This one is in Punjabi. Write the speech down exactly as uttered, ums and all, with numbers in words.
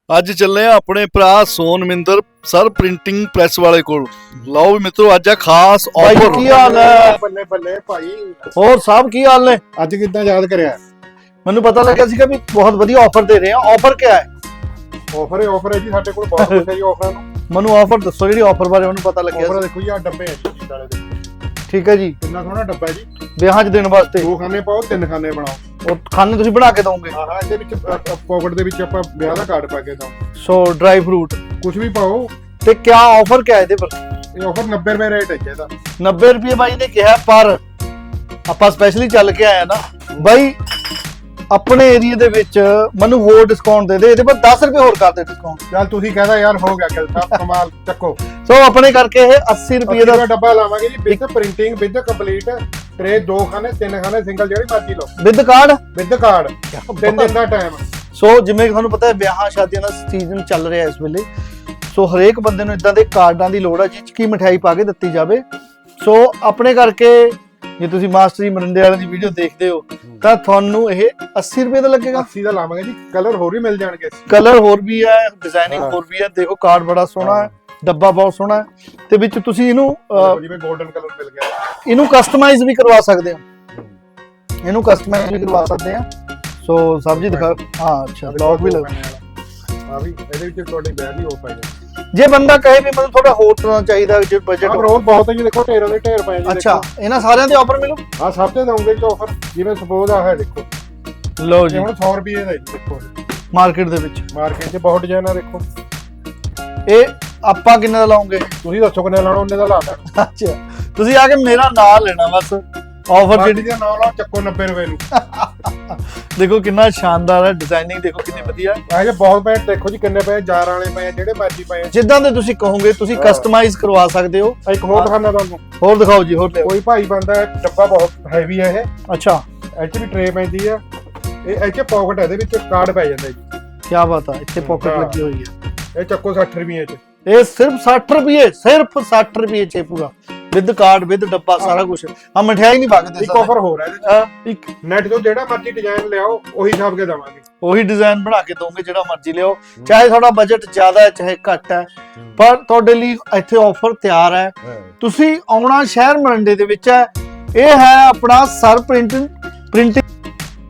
ਅੱਜ ਚੱਲੇ ਆ ਆਪਣੇ ਭਰਾ ਸੋਨਮਿੰਦਰ ਸਰ ਪ੍ਰਿੰਟਿੰਗ ਪ੍ਰੈਸ ਵਾਲੇ ਕੋਲ। ਲਓ ਵੀ ਮਿੱਤਰੋ ਅੱਜ ਆ ਖਾਸ ਆਫਰ। ਕੀ ਹਾਲ ਹੈ? ਬੱਲੇ ਬੱਲੇ ਭਾਈ, ਹੋਰ ਸਭ ਕੀ ਹਾਲ ਨੇ? ਅੱਜ ਕਿੱਦਾਂ ਯਾਦ ਕਰਿਆ? ਮੈਨੂੰ ਪਤਾ ਲੱਗਿਆ ਸੀਗਾ ਵੀ ਬਹੁਤ ਵਧੀਆ ਆਫਰ ਦੇ ਰਹੇ ਆ। ਆਫਰ ਕੀ ਹੈ? ਆਫਰ ਹੈ ਆਫਰ ਹੈ ਜੀ, ਸਾਡੇ ਕੋਲ ਬਹੁਤ ਕੁਝ ਹੈ ਜੀ ਆਫਰਾਂ ਨੂੰ। ਮੈਨੂੰ ਆਫਰ ਦੱਸੋ ਜਿਹੜੀ ਆਫਰ ਬਾਰੇ ਮੈਨੂੰ ਪਤਾ ਲੱਗਿਆ। ਆਫਰ ਦੇਖੋ ਜੀ, ਆ ਡੱਬੇ ਹੈ ਜੀ ਜੀਤ ਵਾਲੇ ਦੇ। ਠੀਕ ਹੈ ਜੀ, ਕਿੰਨਾ ਸੋਹਣਾ ਡੱਬਾ ਹੈ ਜੀ। ਵਿਆਹਾਂ 'ਚ ਦੇਣ ਵਾਸਤੇ ਦੋ ਖਾਨੇ ਪਾਓ, ਤਿੰਨ ਖਾਨੇ ਬਣਾਓ। ਉਹ ਖਾਣੇ ਤੁਸੀਂ ਬਣਾ ਕੇ ਦੋਗੇ? ਹਾਂ ਹਾਂ, ਇਹਦੇ ਵਿੱਚ ਪਾਕਟ ਦੇ ਵਿੱਚ ਆਪਾਂ ਵਿਆਹ ਦਾ ਕਾਰਡ ਪਾ ਕੇ ਦੋ। ਸੋ ਡਰਾਈ ਫਰੂਟ ਕੁਝ ਵੀ ਪਾਓ। ਤੇ ਕੀ ਆਫਰ ਕੀ ਹੈ ਇਹਦੇ ਪਰ? ਇਹ ਆਫਰ ਨੱਬੇ ਰੁਪਏ ਰੇਟ ਹੈ ਜੀ ਇਹਦਾ। ਨੱਬੇ ਰੁਪਏ ਬਾਈ ਨੇ ਕਿਹਾ, ਪਰ ਆਪਾਂ ਸਪੈਸ਼ਲੀ ਚੱਲ ਕੇ ਆਏ ਨਾ ਬਾਈ ਆਪਣੇ ਏਰੀਆ ਦੇ ਵਿੱਚ। ਮੈਨੂੰ ਹੋਰ ਡਿਸਕਾਊਂਟ ਦੇ ਦੇ, ਇਹਦੇ ਪਰ ਦਸ ਰੁਪਏ ਹੋਰ ਕਰ ਦੇ ਡਿਸਕਾਊਂਟ। ਚੱਲ ਤੁਸੀਂ ਕਹਦਾ ਯਾਰ ਹੋ ਗਿਆ ਗੱਲ ਸਾਹਿਬ, ਕਮਾਲ ਚੱਕੋ। ਸੋ ਆਪਣੇ ਕਰਕੇ ਇਹ ਅੱਸੀ ਰੁਪਏ ਦਾ ਡੱਬਾ ਲਾਵਾਂਗੇ ਜੀ, with printing with complete tray. ਦੋ ਖਾਨੇ ਤਿੰਨ ਖਾਨੇ ਸਿੰਗਲ ਜਿਹੜੀ ਮਰਜ਼ੀ ਲਓ, ਵਿਦ ਕਾਰਡ ਵਿਦ ਕਾਰਡ। ਤਿੰਨ ਦਿਨ ਦਾ ਟਾਈਮ। ਸੋ ਜਿਵੇਂ ਕਿ ਤੁਹਾਨੂੰ ਪਤਾ ਹੈ ਵਿਆਹਾਂ ਸ਼ਾਦੀਆਂ ਦਾ ਸੀਜ਼ਨ ਚੱਲ ਰਿਹਾ ਇਸ ਵੇਲੇ। ਸੋ ਹਰੇਕ ਬੰਦੇ ਨੂੰ ਇਦਾਂ ਦੇ ਕਾਰਡਾਂ ਦੀ ਲੋੜ ਹੈ ਜਿਸ 'ਚ ਕੀ ਮਠਿਆਈ ਪਾ ਕੇ ਦਿੱਤੀ ਜਾਵੇ। ਸੋ ਆਪਣੇ ਕਰਕੇ ਜੇ ਤੁਸੀਂ ਮਾਸਟਰ ਜੀ ਮਰਿੰਡੇ ਵਾਲਿਆਂ ਦੀ ਵੀਡੀਓ ਦੇਖਦੇ ਹੋ ਤਾਂ ਤੁਹਾਨੂੰ ਇਹ ਅੱਸੀ ਰੁਪਏ ਦਾ ਲੱਗੇਗਾ। ਅੱਸੀ ਦਾ ਲਾਵਾਂਗੇ ਜੀ, ਕਲਰ ਹੋਰ ਵੀ ਮਿਲ ਜਾਣਗੇ। ਕਲਰ ਹੋਰ ਵੀ ਹੈ, ਡਿਜ਼ਾਈਨਿੰਗ ਹੋਰ ਵੀ ਹੈ। ਦੇਖੋ ਕਾਰਡ ਬੜਾ ਸੋਹਣਾ ਹੈ, ਡੱਬਾ ਬਹੁਤ ਸੋਹਣਾ ਹੈ, ਤੇ ਵਿੱਚ ਤੁਸੀਂ ਇਹਨੂੰ ਅਹ, ਜਿਵੇਂ 골ਡਨ ਕਲਰ ਮਿਲ ਗਿਆ, ਇਹਨੂੰ ਕਸਟਮਾਈਜ਼ ਵੀ ਕਰਵਾ ਸਕਦੇ ਹੋ। ਇਹਨੂੰ ਕਸਟਮਾਈਜ਼ ਵੀ ਕਰਵਾ ਸਕਦੇ ਆ। ਸੋ ਸਬਜ਼ੀ ਦਿਖਾ। ਹਾਂ ਅੱਛਾ, ਬਲੌਗ ਵੀ ਲੱਗ। ਹਾਂ ਵੀ ਇਹਦੇ ਵਿੱਚ ਤੁਹਾਡੇ ਬੈਗ ਵੀ ਹੋ ਪਾਏਗਾ। ਜੇ ਬੰਦਾ ਕਹੇ ਵੀ ਮੈਨੂੰ ਥੋੜਾ ਹੋਰ ਤਰ੍ਹਾਂ ਚਾਹੀਦਾ, ਜੇ ਬਜਟ ਹੋਰ ਬਹੁਤ ਹੈ ਜੀ। ਦੇਖੋ ਢੇਰਾਂ ਦੇ ਢੇਰ ਪਏ ਜੀ। ਅੱਛਾ, ਇਹਨਾਂ ਸਾਰਿਆਂ ਦੇ ਆਫਰ ਮਿਲੂ? ਹਾਂ ਸਭ ਤੇ ਦਊਂਗੇ ਜੀ ਆਫਰ। ਜਿਵੇਂ ਸਪੋਜ਼ ਆ ਹੈ ਦੇਖੋ, ਲਓ ਇਹ ਜੀ ਹੁਣ ਸੌ ਰੁਪਏ ਦਾ ਜੀ। ਦੇਖੋ ਮਾਰਕੀਟ ਦੇ ਵਿੱਚ, ਮਾਰਕੀਟ 'ਚ ਬਹੁਤ ਡਿਜ਼ਾਈਨ ਆ। ਦੇਖੋ ਇਹ ਆਪਾਂ ਕਿੰਨੇ ਦਾ ਲਾਉਂਗੇ? ਤੁਸੀਂ ਦੱਸੋ ਕਿੰਨੇ ਲਾਣਾ, ਉਹਨੇ ਦਾ ਲਾ ਦੇਣਾ। ਅੱਛਾ, ਤੁਸੀਂ ਆ ਕੇ ਮੇਰਾ ਨਾਮ ਲੈਣਾ ਬਸ। ਆਫਰ ਜਿਹੜੀ ਜਿਹੜੀ ਦਾ ਨਾਮ ਲਾਓ, ਚੱਕੋ ਨੱਬੇ ਰੁਪਏ ਨੂੰ। ਦੇਖੋ ਕਿੰਨਾ ਸ਼ਾਨਦਾਰ ਹੈ, ਡਿਜ਼ਾਈਨਿੰਗ ਦੇਖੋ ਕਿੰਨੀ ਵਧੀਆ ਹੈ। ਇਹ ਜੇ ਬਹੁਤ ਪਏ, ਦੇਖੋ ਜੀ ਕਿੰਨੇ ਪਏ, ਜਾਰ ਵਾਲੇ ਪਏ, ਜਿਹੜੇ ਮਰਜ਼ੀ ਪਏ। ਜਿੱਦਾਂ ਦੇ ਤੁਸੀਂ ਕਹੋਗੇ ਤੁਸੀਂ ਕਸਟਮਾਈਜ਼ ਕਰਵਾ ਸਕਦੇ ਹੋ। ਇੱਕ ਹੋਰ ਦਿਖਾਣਾ ਤੁਹਾਨੂੰ। ਹੋਰ ਦਿਖਾਓ ਜੀ, ਹੋਰ ਲਿਆਓ। ਕੋਈ ਭਾਈ ਬੰਦਾ ਹੈ, ਡੱਬਾ ਬਹੁਤ ਹੈਵੀ ਹੈ ਇਹ। ਅੱਛਾ, ਇਹ 'ਚ ਵੀ ਟਰੇ ਪੈਂਦੀ ਆ। ਇਹ ਇੱਥੇ ਪਾਕਟ ਹੈ, ਇਹਦੇ ਵਿੱਚ ਕਾਰਡ ਪੈ ਜਾਂਦਾ ਜੀ। ਕੀ ਬਾਤ ਹੈ, ਇੱਥੇ ਪਾਕਟ ਹਾਂ। ਲੱਗੀ ਹੋਈ ਹੈ। ਇਹ ਚੱਕੋ ਸੱਠ ਰੁਪਏ 'ਚ। ਇਹ ਸਿਰਫ ਸੱਠ ਰੁਪਏ, ਸਿਰਫ ਸੱਠ ਰੁਪਏ 'ਚ ਪੂਰਾ ਵਿਦ ਕਾਰਡ ਵਿਦ ਡੱਬਾ ਸਾਰਾ ਕੁਝ। ਆ ਮਠਿਆਈ ਨਹੀਂ ਪਾਗਦੇ। ਇੱਕ ਆਫਰ ਹੋਰ ਹੈ ਇਹਦੇ 'ਚ। ਹਾਂ, ਇੱਕ ਨੈਟ ਤੋਂ ਜਿਹੜਾ ਮਰਜ਼ੀ ਡਿਜ਼ਾਈਨ ਲਿਆਓ, ਉਹੀ ਛਾਪ ਕੇ ਦੇਵਾਂਗੇ। ਉਹੀ ਡਿਜ਼ਾਈਨ ਬਣਾ ਕੇ ਦੋਗੇ ਜਿਹੜਾ ਮਰਜ਼ੀ ਲਿਓ, ਚਾਹੇ ਤੁਹਾਡਾ ਬਜਟ ਜ਼ਿਆਦਾ ਹੈ ਚਾਹੇ ਘੱਟ ਹੈ, ਪਰ ਤੁਹਾਡੇ ਲਈ ਇੱਥੇ ਆਫਰ ਤਿਆਰ ਹੈ। ਤੁਸੀਂ ਆਉਣਾ ਸ਼ਹਿਰ ਮਰਿੰਡੇ ਦੇ ਵਿੱਚ ਹੈ। ਇਹ ਹੈ ਆਪਣਾ ਸਰ ਪ੍ਰਿੰਟਿੰਗ ਪ੍ਰਿੰਟਿੰਗ